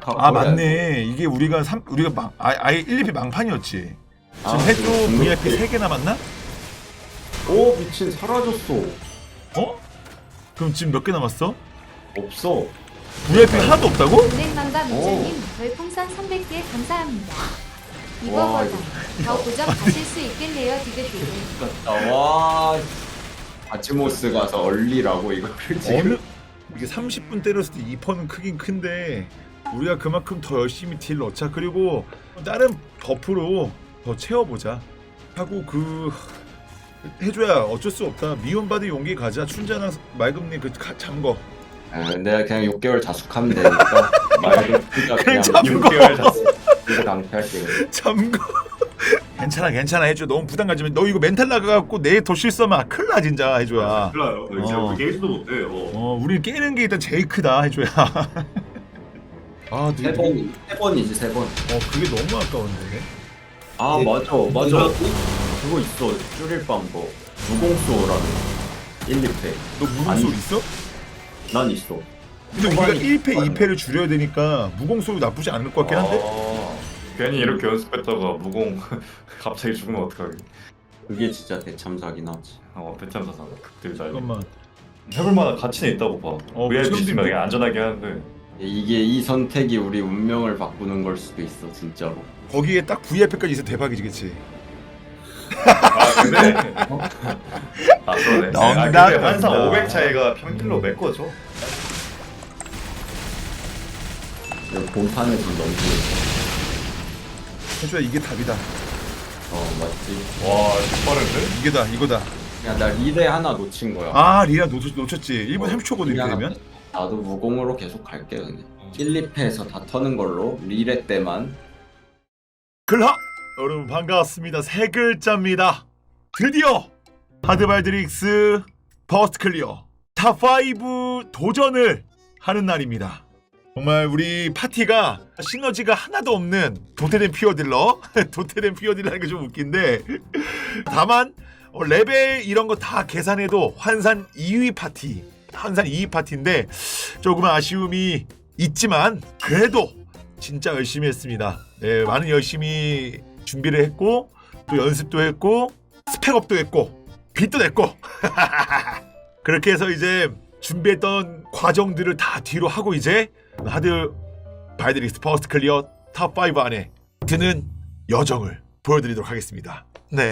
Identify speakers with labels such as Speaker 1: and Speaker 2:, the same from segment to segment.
Speaker 1: 시작하고.
Speaker 2: 아 맞네. 이게 우리가 아예 1, 2피 망판이었지. 지금 해도 VIP 3개 남았나?
Speaker 1: 오 미친 사라졌어.
Speaker 2: 어? 그럼 지금 몇 개 남았어?
Speaker 1: 없어.
Speaker 2: VIP 하나도 없다고?
Speaker 3: 은행망가 민재님 별풍선 300개 감사합니다.
Speaker 1: 와,
Speaker 3: 이거보다 더 고정 가실 수 있겠네요. 디귿디귿.
Speaker 1: 와. 아치모스 가서 얼리라고 이거를 지금.
Speaker 2: 어느 이게 30분 때렸을 때 2%는 크긴 큰데 우리가 그만큼 더 열심히 딜 넣자. 그리고 다른 버프로 더 채워보자 하고 해줘야 어쩔 수 없다. 미움받은 용기 가자. 춘자나 맑음님 잠거.
Speaker 1: 내가 그냥 6개월 자숙하면 되니까 말도 그냥
Speaker 2: 잠궈.
Speaker 1: 6개월 자숙. 이거 강퇴할게.
Speaker 2: 잠거. 괜찮아 해줘. 너무 부담 가지면 너 이거 멘탈 나가갖고 내일 더 실수하면 큰일 나 진짜 해줘야.
Speaker 4: 큰일 나요. 진짜 우리 게임도 못해요.
Speaker 2: 우리 깨는 게 일단 제일 크다 해줘야. 아,
Speaker 1: 세 번이지 세 번.
Speaker 2: 그게 너무 아까운데.
Speaker 1: 아 맞아. 그거 있어. 줄일 방법. 무공소라는 1, 2패.
Speaker 2: 너 무공소
Speaker 1: 아니.
Speaker 2: 있어?
Speaker 1: 난 있어.
Speaker 2: 근데 우리가
Speaker 1: 초반이
Speaker 2: 1패, 2패를 줄여야 되니까 무공소도 나쁘지 않을 것 같긴 한데?
Speaker 4: 괜히 이렇게 연습했다가 무공 갑자기 죽으면 어떡하게.
Speaker 1: 그게 진짜 대참사긴 하지.
Speaker 4: 배참사상 극딜 잘.
Speaker 2: 잠깐만.
Speaker 4: 해볼 만한 가치는 있다고 봐. VIP
Speaker 2: 체험도
Speaker 4: 있으면
Speaker 2: 있네.
Speaker 4: 그냥 안전하게 하는데.
Speaker 1: 이게 이 선택이 우리 운명을 바꾸는 걸 수도 있어 진짜로.
Speaker 2: 거기에 딱 VIP까지 있어 대박이지, 그치?
Speaker 4: 근데 그러네.
Speaker 2: 농담.
Speaker 4: 근데 항상 500 차이가 평킬로 메꿔줘.
Speaker 1: 본판에 좀 넘기는.
Speaker 2: 해줘야 이게 답이다.
Speaker 1: 맞지.
Speaker 4: 와, 빠른데?
Speaker 2: 이거다.
Speaker 1: 야 나 리레 하나 놓친 거야.
Speaker 2: 아, 리라 놓쳤지. 1분 30초거든, 이렇게 되면.
Speaker 1: 나도 무공으로 계속 갈게 그냥. 1, 2패에서 다 터는 걸로 리레 때만.
Speaker 2: 글하! 여러분 반갑습니다. 세 글자입니다. 드디어 하드발드릭스 버스트 클리어 탑5 도전을 하는 날입니다. 정말 우리 파티가 시너지가 하나도 없는 도태된 퓨어딜러 도태된 퓨어딜러라는 게 좀 웃긴데 다만 레벨 이런 거 다 계산해도 환산 2위 파티인데 조금은 아쉬움이 있지만 그래도 진짜 열심히 했습니다. 네, 많은 열심히 준비를 했고 또 연습도 했고 스펙업도 했고 빚도 냈고 그렇게 해서 이제 준비했던 과정들을 다 뒤로 하고 이제 하드 발드릭스 퍼스트 클리어 탑5 안에 드는 여정을 보여드리도록 하겠습니다. 네.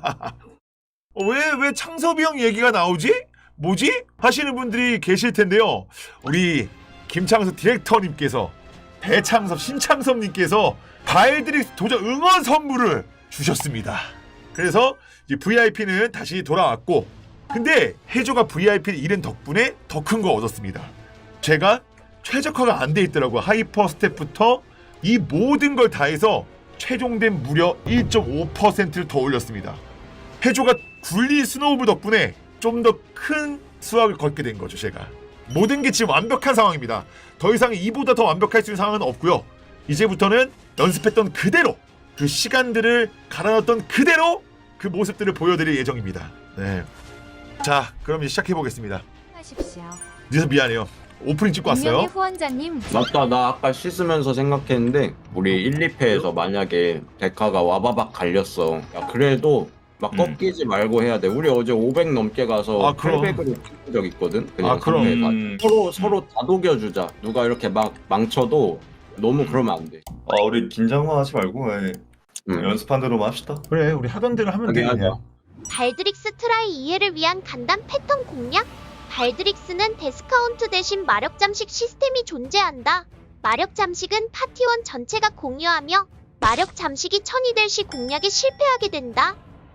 Speaker 2: 왜 창섭이 형 얘기가 나오지? 뭐지? 하시는 분들이 계실 텐데요. 우리 김창섭 디렉터님께서 배창섭 신창섭님께서 발드릭스 도전 응원 선물을 주셨습니다. 그래서 이제 VIP는 다시 돌아왔고 근데 해조가 VIP를 잃은 덕분에 더 큰 거 얻었습니다. 제가 최적화가 안 돼 있더라고요. 하이퍼 스텝부터 이 모든 걸 다 해서 최종된 무려 1.5%를 더 올렸습니다. 해조가 굴리 스노우볼 덕분에 좀 더 큰 수확을 거두게 된 거죠. 제가 모든 게 지금 완벽한 상황입니다. 더 이상 이보다 더 완벽할 수 있는 상황은 없고요. 이제부터는 연습했던 그대로 그 시간들을 갈아넣었던 그대로 그 모습들을 보여드릴 예정입니다. 네. 자, 그럼 이제 시작해보겠습니다.
Speaker 3: 하십시오.
Speaker 2: 늦어서 미안해요. 오프닝 찍고
Speaker 3: 운명의
Speaker 2: 왔어요.
Speaker 3: 후원자님
Speaker 1: 맞다. 나 아까 씻으면서 생각했는데 우리 1, 2패에서 만약에 데카가 와바박 갈렸어. 야, 그래도 막 꺾이지 말고 해야 돼. 우리 어제 500 넘게 가서
Speaker 2: 그럼.
Speaker 1: 800으로 찍은 적 있거든. 그냥
Speaker 2: 그럼.
Speaker 1: 서로 다독여주자. 누가 이렇게 막 망쳐도 너무 그러면 안 돼.
Speaker 4: 우리 긴장만 하지 말고 연습한 대로만 합시다.
Speaker 2: 그래, 우리 하던 대로 하면 돼. 그냥.
Speaker 5: 발드릭스 트라이 이해를 위한 간단 패턴 공략? 발드릭스는 데스카운트 대신 마력 잠식 시스템이 존재한다. 마력 잠식은 파티원 전체가 공유하며 마력 잠식이 1000이 될 시 공략에 실패하게 된다.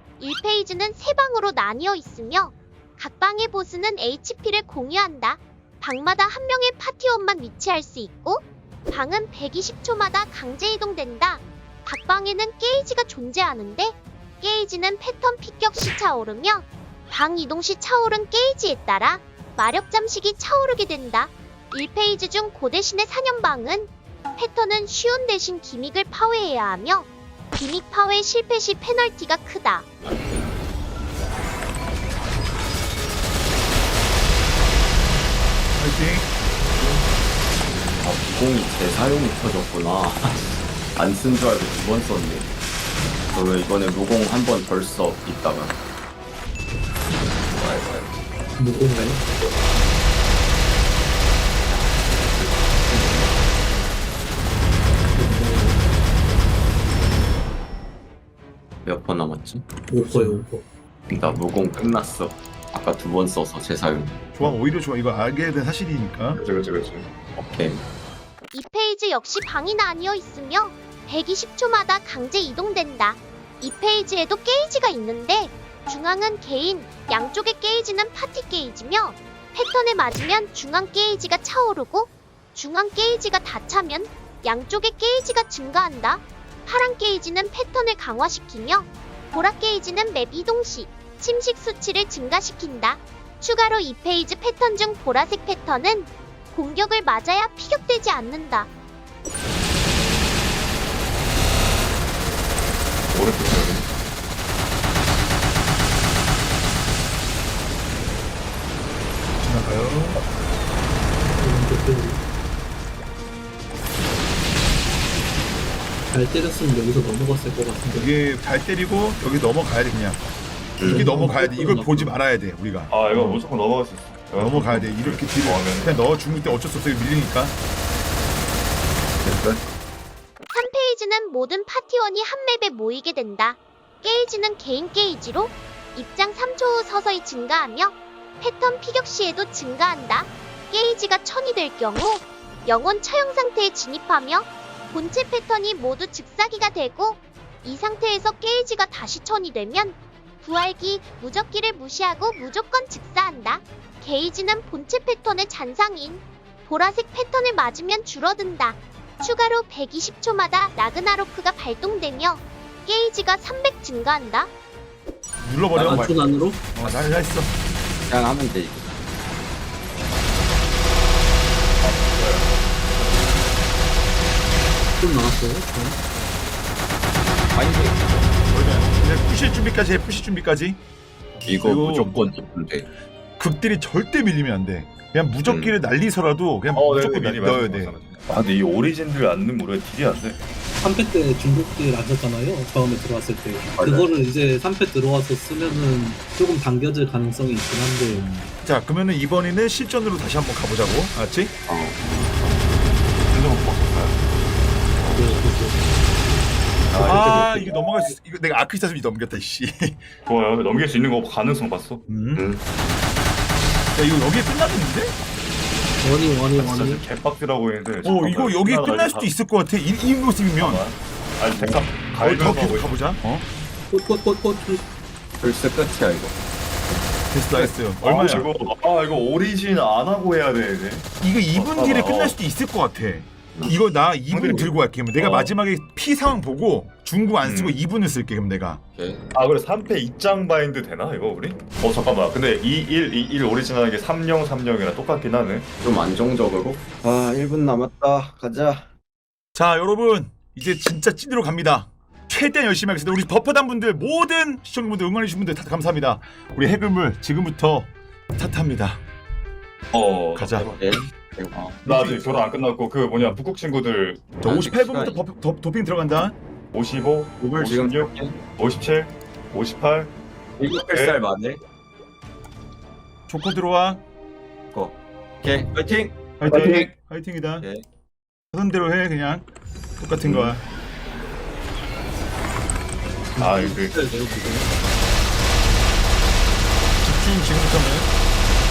Speaker 5: 1페이지는 3방으로 나뉘어 있으며 각 방의 보스는 HP를 공유한다. 방마다 한 명의 파티원만 위치할 수 있고 방은 120초마다 강제 이동된다. 각 방에는 게이지가 존재하는데 게이지는 패턴 피격 시 차오르며 방 이동 시 차오른 게이지에 따라 마력 잠식이 차오르게 된다. 1페이지 중 고대신의 사냥방은 패턴은 쉬운 대신 기믹을 파괴해야 하며 기믹 파괴 실패 시 페널티가 크다.
Speaker 2: 파이팅.
Speaker 1: 공이 재사용이 켜졌구나. 안 쓴 줄 알고 2번 썼네. 그러면 이번에 무공 한 번 덜 써 이따가.
Speaker 6: 무공가요?
Speaker 1: 몇 번 남았지?
Speaker 6: 5%요 5%.
Speaker 1: 나 무공 끝났어. 아까 2번 써서 재사용.
Speaker 2: 좋아, 오히려 좋아. 이거 알게 된 사실이니까.
Speaker 4: 그치.
Speaker 1: 오케이.
Speaker 5: 이 페이지 역시 방이 나뉘어 있으며 120초마다 강제 이동된다. 이 페이지에도 게이지가 있는데 중앙은 개인, 양쪽의 게이지는 파티 게이지며 패턴에 맞으면 중앙 게이지가 차오르고 중앙 게이지가 다 차면 양쪽의 게이지가 증가한다. 파란 게이지는 패턴을 강화시키며 보라 게이지는 맵 이동 시 침식 수치를 증가시킨다. 추가로 이 페이지 패턴 중 보라색 패턴은 공격을 맞아야 피격되지 않는다.
Speaker 4: 오른쪽 여기.
Speaker 2: 지나가요.
Speaker 6: 잘 때렸으면 여기서 넘어갔을 것 같은데.
Speaker 2: 여기 잘 때리고 여기 넘어가야 돼 그냥. 이게 넘어가야 돼. 이걸 보지 말아야 돼 우리가.
Speaker 4: 아 이거 무조건 넘어갈 수 있어.
Speaker 2: 넘어가야 돼. 이렇게 뒤로 그냥 넣어 죽을 때 어쩔 수 없어. 밀리니까.
Speaker 1: 됐어?
Speaker 5: 3페이지는 모든 파티원이 한 맵에 모이게 된다. 게이지는 개인 게이지로 입장 3초 후 서서히 증가하며 패턴 피격 시에도 증가한다. 게이지가 1000이 될 경우 영혼 처형 상태에 진입하며 본체 패턴이 모두 즉사기가 되고 이 상태에서 게이지가 다시 1000이 되면 부활기, 무적기를 무시하고 무조건 즉사한다. 게이지는 본체 패턴의 잔상인 보라색 패턴을 맞으면 줄어든다. 추가로 120초마다 라그나로크가 발동되며 게이지가 300 증가한다.
Speaker 2: 눌러버려.
Speaker 6: 맞춘 안으로?
Speaker 2: 나 있어.
Speaker 1: 그냥 하면 돼.
Speaker 6: 좀 나왔어요?
Speaker 1: 아니
Speaker 2: 이제 푸시 준비까지 해. 푸시 준비까지.
Speaker 1: 이거
Speaker 2: 그리고
Speaker 1: 무조건 이쁜데.
Speaker 2: 극딜이 절대 밀리면 안 돼. 그냥 무적기를 날리서라도 그냥
Speaker 4: 어,
Speaker 2: 무조건
Speaker 4: 미리
Speaker 2: 넣어야 돼.
Speaker 4: 아 근데 이 오리진들 안 넣으면 우리가 딜이 안 돼.
Speaker 6: 3패 때 중국딜 하셨잖아요. 처음에 들어왔을 때.
Speaker 1: 맞아요.
Speaker 6: 그거를 이제 3패 들어와서 쓰면은 조금 당겨질 가능성이 있긴 한데.
Speaker 2: 자, 그러면은 이번에는 실전으로 다시 한번 가보자고. 알았지?
Speaker 1: 어.
Speaker 4: 근데 못 먹었어요.
Speaker 2: 아, 이거 넘어갈 수. 이거 내가 아크리스타스이 넘겼다. 씨.
Speaker 4: 좋아요. 넘길 수 있는 거 가능성 봤어.
Speaker 2: 야, 이거 여기에 끝났는데?
Speaker 6: 원이.
Speaker 4: 진짜 개빡지라고 했는데.
Speaker 2: 이거 여기에 끝날 수도 있을 것 같아. 이 모습이면.
Speaker 4: 아니 잠깐
Speaker 2: 더
Speaker 4: 갈면서
Speaker 2: 계속
Speaker 4: 하고
Speaker 2: 가보자.
Speaker 6: 꽃.
Speaker 1: 벌써 끝이야 이거.
Speaker 2: 됐어, 됐어요.
Speaker 4: 얼마야?
Speaker 2: 얼마야?
Speaker 4: 이거 오리진 안 하고 해야 돼 이제.
Speaker 2: 이거 2분 뒤에 끝날 수도 있을 것 같아. 이거 나 2분 들고 갈게. 그럼 내가 마지막에 피 상황 보고 중국 안 쓰고 2분을 쓸게. 그럼 내가.
Speaker 1: 오케이.
Speaker 4: 아 그래 3패 입장 바인드 되나 이거 우리? 잠깐만. 근데 2-1 오리진 하는 게 3-0-3-0이랑 똑같긴 하네.
Speaker 1: 좀 안정적으로. 아 1분 남았다. 가자.
Speaker 2: 자, 여러분 이제 진짜 찐으로 갑니다. 최대한 열심히 하겠습니다. 우리 버퍼단 분들 모든 시청자분들 응원해주신 분들 다 감사합니다. 우리 해금을 지금부터 탓합니다. 가자.
Speaker 1: 오케이.
Speaker 4: 나 아직 결혼 안 끝났고 그 뭐냐 북극 친구들
Speaker 2: 자, 58분부터 도핑 들어간다.
Speaker 4: 55,
Speaker 1: 오늘 지금
Speaker 4: 56, 57, 58.
Speaker 1: 7살 만에.
Speaker 2: 조커 들어와.
Speaker 1: 오케이. 파이팅.
Speaker 2: 화이팅. 화이팅이다.
Speaker 1: 오케이.
Speaker 2: 하던 대로 해 그냥. 똑같은 거야.
Speaker 4: 아 이거
Speaker 2: 집중 지금부터는.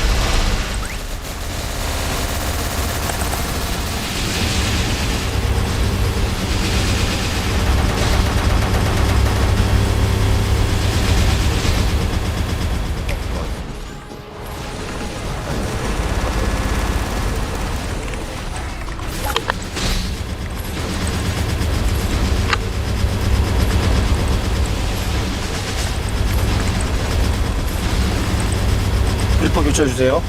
Speaker 1: 필터 교체해주세요.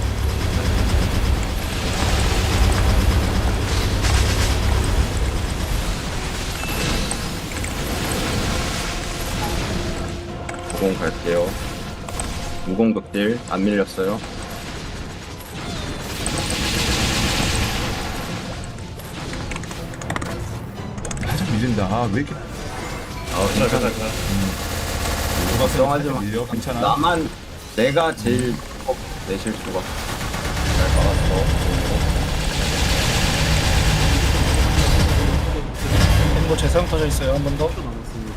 Speaker 1: 무공 갈게요. 무공 극딜 안 밀렸어요.
Speaker 2: 밀린다. 아, 왜 이렇게
Speaker 4: 괜찮아.
Speaker 1: 걱정하지 마.
Speaker 2: 밀려? 괜찮아.
Speaker 1: 나만 내가 제일 내 실수가.
Speaker 4: 잘 막았어.
Speaker 7: 뭐 재상 터져 있어요. 한 번 더.
Speaker 6: 10초 남았습니다.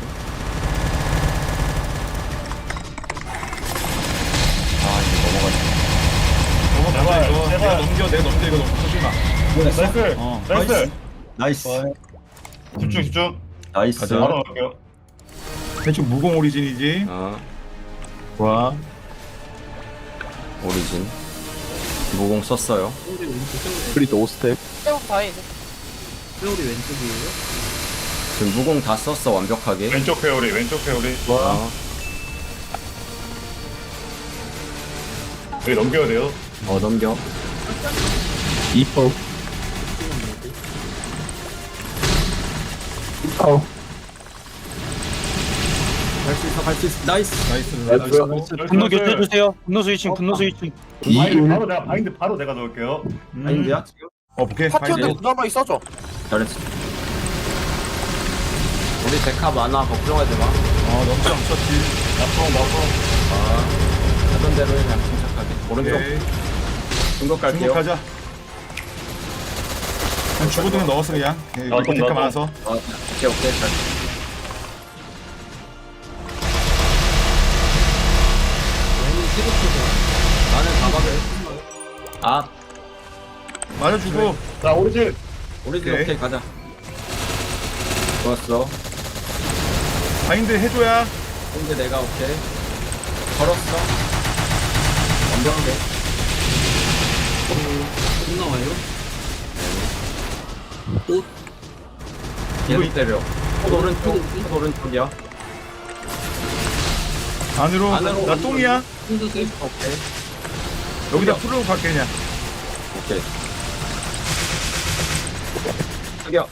Speaker 1: 아 이거 넘어가지.
Speaker 2: 넘어가자 이거.
Speaker 4: 제발.
Speaker 2: 내가 넘겨 이거 너무 쏘지 마.
Speaker 4: 나이스.
Speaker 2: 어.
Speaker 4: 나이스.
Speaker 1: 나이스.
Speaker 4: 집중.
Speaker 1: 나이스.
Speaker 2: 가자.
Speaker 4: 바로 갈게요.
Speaker 2: 대충 무공 오리진이지.
Speaker 1: 아
Speaker 2: 와.
Speaker 1: 오리진. 무공 썼어요.
Speaker 6: 세월이 왼쪽,
Speaker 7: 프리드 5스텝.
Speaker 6: 세월이 왼쪽이에요.
Speaker 1: 지금 무공 다 썼어 완벽하게.
Speaker 4: 왼쪽 회오리.
Speaker 1: 아,
Speaker 4: 여기 넘겨야 돼요.
Speaker 1: 넘겨.
Speaker 7: 2퍼.
Speaker 1: 갈 수 있어. 나이스.
Speaker 2: 나이스.
Speaker 7: 분노 교체해주세요. 분노 스위칭, 분노 스위칭.
Speaker 4: 바인드 바로 내가 넣을게요.
Speaker 1: 아닌데야 지금?
Speaker 2: 오케이.
Speaker 8: 파티원들 그나마 있어줘.
Speaker 1: 잘했어. 우리 데카 많아 걱정하지 마.
Speaker 2: 넘쳐 넘쳤지.
Speaker 1: 하던 대로 해 그냥 침착하게. 오른쪽
Speaker 2: 오케이.
Speaker 1: 중국 갈게요.
Speaker 2: 중국하자. 한 주고등은 넣었어 그냥.
Speaker 4: 나도,
Speaker 2: 데카
Speaker 4: 나도.
Speaker 2: 많아서.
Speaker 1: 오케이 잘.
Speaker 6: 왼은 15초죠.
Speaker 1: 나는 가방을. 아
Speaker 2: 맞아주고.
Speaker 4: 자 오리진.
Speaker 1: 오리진
Speaker 2: 오케이.
Speaker 1: 오케이 가자. 좋았어.
Speaker 2: 바인드 해줘야.
Speaker 1: 근데 내가 오케이. 걸었어. 완벽해.
Speaker 6: 못 나와요. 또
Speaker 1: 계속 때려. 오른쪽이야.
Speaker 2: 안으로.
Speaker 1: 안으로.
Speaker 2: 나 똥이야.
Speaker 6: 혼자세요.
Speaker 1: 오케이.
Speaker 2: 여기다 풀로 갈게 그냥.
Speaker 1: 오케이. 숙여.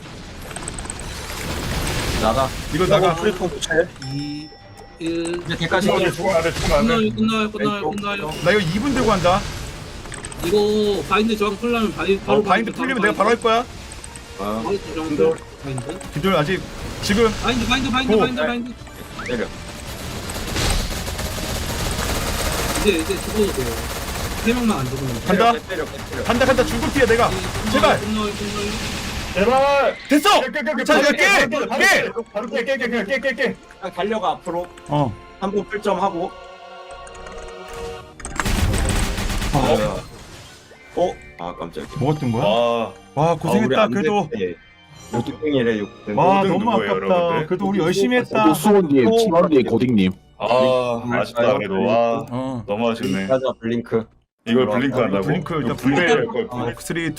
Speaker 1: 나가.
Speaker 2: 이거 나가.
Speaker 7: 프리드 교체.
Speaker 6: 2, 1.
Speaker 1: 이제 개까지.
Speaker 4: 죽으면 안 돼.
Speaker 6: 끝나요.
Speaker 2: 나 이거 2분 들고 한다.
Speaker 6: 이거 바인드 저항 풀려면 바로
Speaker 2: 바인드 풀리면 내가 바로 할 거야.
Speaker 1: 어,
Speaker 6: 저항 풀. 바인드.
Speaker 2: 기존 아직 지금
Speaker 6: 바인드.
Speaker 1: 때려.
Speaker 6: 이제 죽어도 돼요. 3명만 안 죽으면.
Speaker 2: 간다.
Speaker 1: 때려.
Speaker 2: 간다 중국티야 내가. 제발.
Speaker 6: 끝나요.
Speaker 4: 제발.
Speaker 2: 됐어. 자, 이제 깨.
Speaker 4: 바로 깨.
Speaker 1: 그냥 달려가 앞으로.
Speaker 2: 어.
Speaker 1: 한 번 풀점하고. 아 깜짝이야.
Speaker 2: 뭐 어떤 거야?
Speaker 4: 와.
Speaker 2: 와 고생했다. 그래도.
Speaker 1: 6등이래 6등.
Speaker 2: 와
Speaker 4: 모든
Speaker 2: 너무
Speaker 4: 누구예요,
Speaker 2: 아깝다.
Speaker 4: 여러분들?
Speaker 2: 그래도 우리 열심히 했다.
Speaker 7: 수원님, 치마님, 고딩님.
Speaker 4: 아쉽다 그래도. 와.
Speaker 2: 어.
Speaker 4: 너무 아쉽네.
Speaker 1: 가자 블링크.
Speaker 4: 이걸 블링크 한다고?
Speaker 2: 블링크 일단
Speaker 4: 블레 할 걸.
Speaker 2: 3, 2, 1.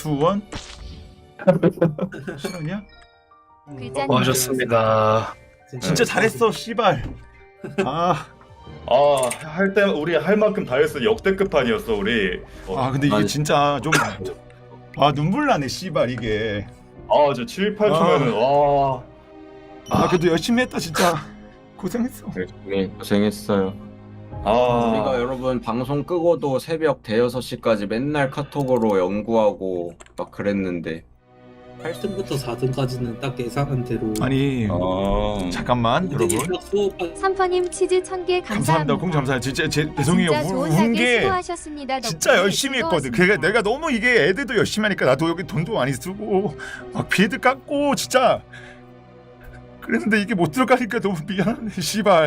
Speaker 2: 싫었냐?
Speaker 3: 글자님
Speaker 7: 고하셨습니다.
Speaker 2: 진짜 잘했어 씨발. 아
Speaker 4: 할 때 우리 할 만큼 다 했어. 역대급 판이었어 우리.
Speaker 2: 근데 이게
Speaker 1: 아니.
Speaker 2: 진짜 좀 눈물 나네 씨발 이게.
Speaker 4: 저 7, 8초면은 와.
Speaker 2: 그래도 열심히 했다 진짜. 고생했어.
Speaker 1: 네, 고생했어요. 우리가 여러분 방송 끄고도 새벽 대여섯 시까지 맨날 카톡으로 연구하고 막 그랬는데
Speaker 6: 8등부터 4등까지는 딱 예상한 대로.
Speaker 2: 아니 잠깐만 여러분.
Speaker 3: 삼퍼님 치즈 1000개
Speaker 2: 감사합니다.
Speaker 3: 감사합니다.
Speaker 2: 공 감사해요. 진짜 죄송해요.
Speaker 3: 진짜 좋은
Speaker 2: 운
Speaker 3: 사기
Speaker 2: 게
Speaker 3: 수고하셨습니다.
Speaker 2: 진짜
Speaker 3: 덕분에
Speaker 2: 열심히 했거든.
Speaker 3: 즐거웠습니다.
Speaker 2: 그러니까 내가 너무 이게 애들도 열심히 하니까 나도 여기 돈도 많이 쓰고 막 빌드 깎고 진짜 그랬는데 이게 못 들어가니까 너무 미안하네 씨발.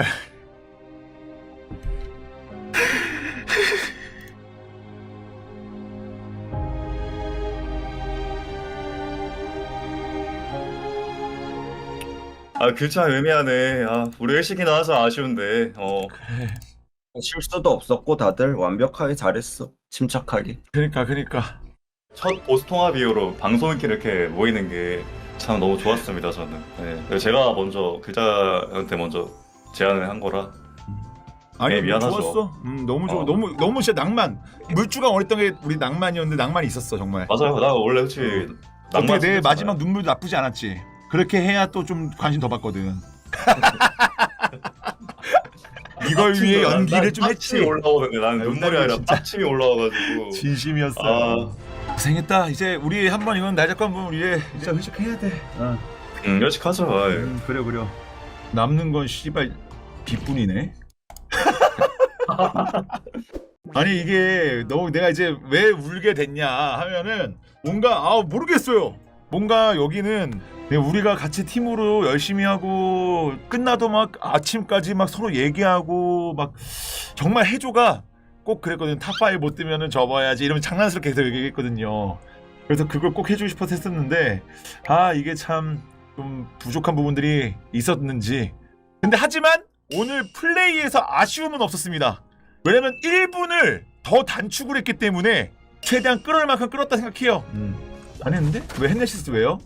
Speaker 4: 그 참 애매하네. 우리 일식이나 하자. 아쉬운데.
Speaker 1: 실수도 없었고 다들 완벽하게 잘했어. 침착하게.
Speaker 2: 그러니까
Speaker 4: 첫 보스 통합 이후로 방송이 이렇게 모이는 게 참 너무 좋았습니다. 저는. 네. 제가 먼저 글자한테 먼저 제안을 한 거라.
Speaker 2: 아니
Speaker 4: 미안하죠.
Speaker 2: 좋았어. 너무 좋아.
Speaker 4: 어.
Speaker 2: 너무 진짜 낭만. 물주가 어렸던 게 우리 낭만이었는데 낭만이 있었어 정말.
Speaker 4: 맞아요. 나 원래 솔직히
Speaker 2: 어떻게 내
Speaker 4: 생겼잖아요.
Speaker 2: 마지막 눈물도 나쁘지 않았지. 그렇게 해야 또 좀 관심 더 받거든. 이걸 위해 연기를 좀 했지.
Speaker 4: 빡침이 올라오는데 나는 눈물이 아니라
Speaker 2: 진짜.
Speaker 4: 빡침이 올라와가지고.
Speaker 2: 진심이었어. 고생했다. 이제 우리 한번 이건 날 잡고 한번 우리 진짜 회식해야 돼.
Speaker 4: 열심하죠.
Speaker 2: 그래. 남는 건 씨발 빚뿐이네. 아니 이게 너무 내가 이제 왜 울게 됐냐 하면은 뭔가 모르겠어요. 뭔가 여기는 우리가 같이 팀으로 열심히 하고 끝나도 막 아침까지 막 서로 얘기하고 막 정말 해조가 꼭 그랬거든. 탑5 못 뜨면은 접어야지 이러면 장난스럽게 계속 얘기했거든요. 그래서 그걸 꼭 해주고 싶어서 했었는데 이게 참 좀 부족한 부분들이 있었는지. 근데 하지만 오늘 플레이에서 아쉬움은 없었습니다. 왜냐면 1분을 더 단축을 했기 때문에 최대한 끌을 만큼 끌었다 생각해요. 안 했는데? 왜 헨네시스 왜요?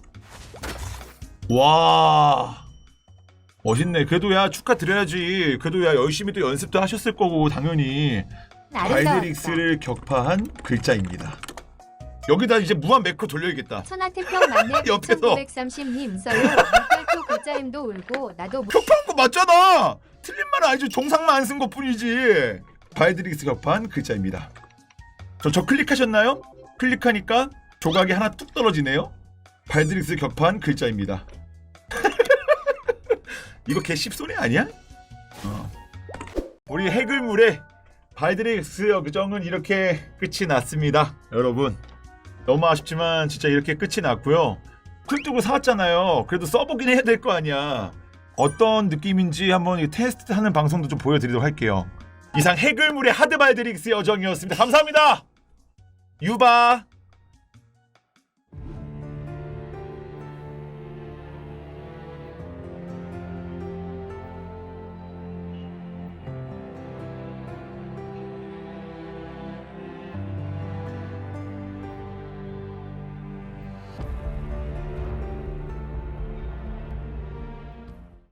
Speaker 2: 와 멋있네. 그래도 야 축하드려야지. 그래도 야 열심히 또 연습도 하셨을 거고 당연히. 발드릭스를 격파한 글자입니다. 여기다 이제 무한 매크로 돌려야겠다.
Speaker 3: 천하태평 만렙
Speaker 2: 옆에서.
Speaker 3: 1930님 써요. 물결표 글자임도 울고 나도
Speaker 2: 격파한 거 맞잖아. 틀린 말은 아니죠. 종상만 안 쓴 것 뿐이지. 발드릭스 격파한 글자입니다. 저 클릭하셨나요? 클릭하니까 조각이 하나 뚝 떨어지네요. 발드릭스 격파한 글자입니다. 이거 개 씹소리 아니야? 우리 해글물의 발드릭스 여정은 이렇게 끝이 났습니다. 여러분 너무 아쉽지만 진짜 이렇게 끝이 났고요. 쿨뚝을 사왔잖아요. 그래도 써보긴 해야 될 거 아니야. 어떤 느낌인지 한번 테스트하는 방송도 좀 보여드리도록 할게요. 이상 해글물의 하드 발드릭스 여정이었습니다. 감사합니다. 유바.